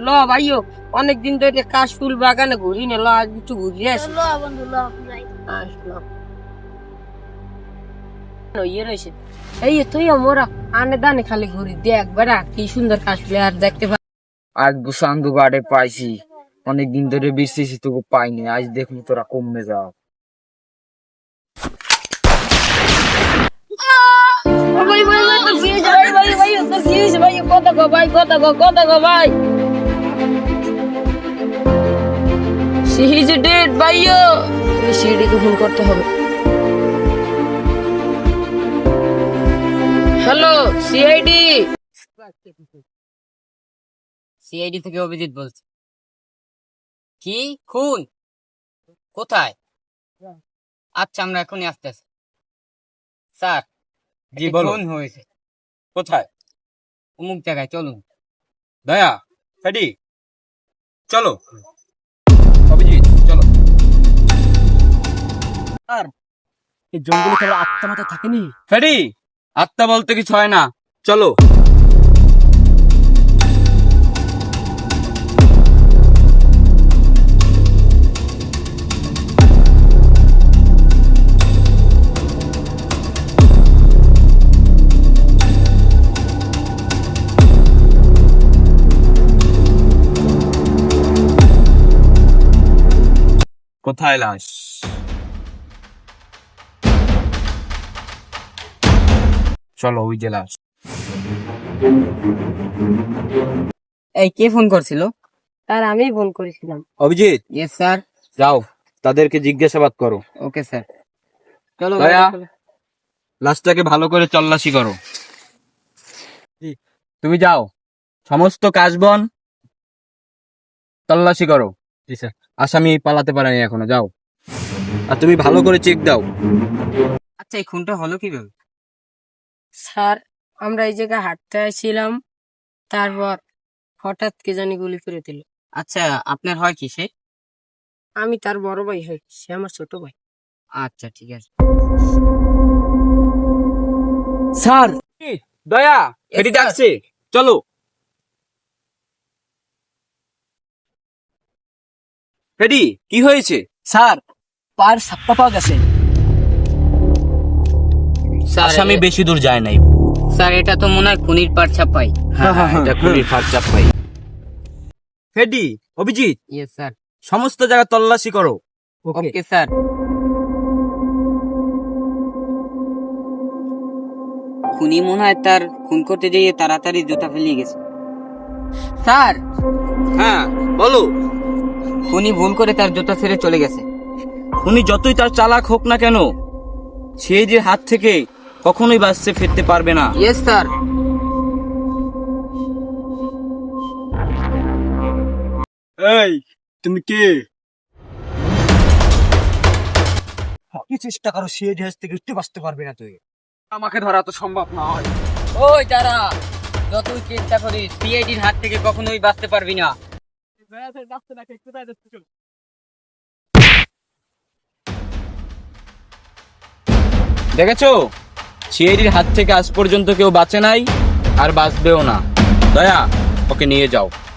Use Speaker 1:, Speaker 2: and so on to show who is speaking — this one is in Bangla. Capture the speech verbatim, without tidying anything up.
Speaker 1: ভাইও অনেকদিন ধরে কাশফুল বাগানে ঘুরি না, ল আজ একটু ঘুরি আসি।
Speaker 2: ল বন্ধু ল যাই।
Speaker 1: আসলাম ইয়ে রয়েছে এই তুই মোরা আনে দানে খালি ঘুরি দেখ বেড়া কি সুন্দর কাশফুল আর দেখতে পাই।
Speaker 3: আজ বুসান্দু গাড়ে পাইছি, অনেকদিন ধরে বিসিসি তোকে পাইনি, আজ দেখলি তোরা কমে যাও।
Speaker 1: ভাই ভাই ভাই তো কি ভাই ভাই ভাই তো কি ভাই কত গো ভাই কত গো কত গো ভাই সি ইজ ডেড ভাইও সিডিকে ফোন করতে হবে। Hello CID.
Speaker 4: সিআইডি থেকে অভিজিৎ বলছি। কি খুন? কোথায়? আচ্ছা আমরা এখনই আসতেছি। স্যার
Speaker 3: জি
Speaker 4: একটি
Speaker 3: বলো।
Speaker 4: খুন হয়েছে
Speaker 3: কোথায়?
Speaker 4: অমুক জায়গায়, চলুন।
Speaker 3: দয়া ফেডি চলো, অভিজিৎ চলো।
Speaker 5: আর এই জঙ্গলে কারো আত্মা মাথা থাকেনি?
Speaker 3: ফেডি আত্মা বলতে কিছু হয় না, চলো। কোথায় লাশ? চলো ওই যে লাশ।
Speaker 4: এই কে ফোন করছিল?
Speaker 1: আর আমি ফোন করেছিলাম।
Speaker 3: Abhijit
Speaker 4: yes sir.
Speaker 3: যাও, তাদেরকে জিজ্ঞাসাবাদ করো।
Speaker 4: Okay sir. চলো
Speaker 3: দয়া
Speaker 4: ভাই।
Speaker 3: লাশটাকে ভালো করে তল্লাশি করো। তুমি যাও, সমস্ত কাশবন তল্লাশি করো। আসামি পালাতে পারেনি এখনো, যাও। আর তুমি ভালো করে চেক দাও।
Speaker 4: আচ্ছা এই খুনটা হলো কিভাবে?
Speaker 1: স্যার আমরা এই জায়গায় হাঁটতে আসছিলাম, তারপর হঠাৎ কে জানি গুলি করে দিল।
Speaker 4: আচ্ছা আপনার হয় কি সে?
Speaker 1: আমি তার বড় ভাই হই, সে আমার ছোট ভাই।
Speaker 4: আচ্ছা ঠিক আছে।
Speaker 5: স্যার
Speaker 3: দয়া ফেডি ডাকছে, চলো। ফেডি কি হয়েছে?
Speaker 5: স্যার পায়ের ছাপ্পা পাওয়া গেছে।
Speaker 4: স্যার
Speaker 3: আসামি বেশি দূর যায় নাই।
Speaker 4: স্যার এটা তো মনে হয় খুনির পার ছাপাই।
Speaker 3: হ্যাঁ হ্যাঁ এটা খুনির ফাঁদ চাপাই। Freddy Abhijit
Speaker 4: yes sir.
Speaker 3: সমস্ত জায়গা তল্লাশি করো।
Speaker 4: Okay sir. খুনি মনে হয় তার খুন করতে যেয়ে তাড়াতাড়ি জুতা ফেলিয়ে গেছে। স্যার
Speaker 3: হ্যাঁ বলো।
Speaker 4: খুনি ভুল করে তার জুতা ছেড়ে চলে গেছে।
Speaker 3: খুনি যতই তার চালাক হোক না কেন, সে যে হাত থেকে কখনোই বাঁচতে ফিরতে পারবে না।
Speaker 4: Yes sir.
Speaker 5: এই তুমি কে? কি চেষ্টা করো, সে দেশ থেকে একটু বাঁচতে পারবে না তুই। আমাকে ধরা তো সম্ভব নয়।
Speaker 4: ওই দাঁড়া, যতই চেষ্টা করি সিআইডির হাত থেকে কখনোই বাঁচতে পারবি না।
Speaker 3: দেখেছো, সিআইডির হাত থেকে আজ পর্যন্ত কেউ বাঁচে নাই, আর বাঁচবেও না। দয়া ওকে নিয়ে যাও।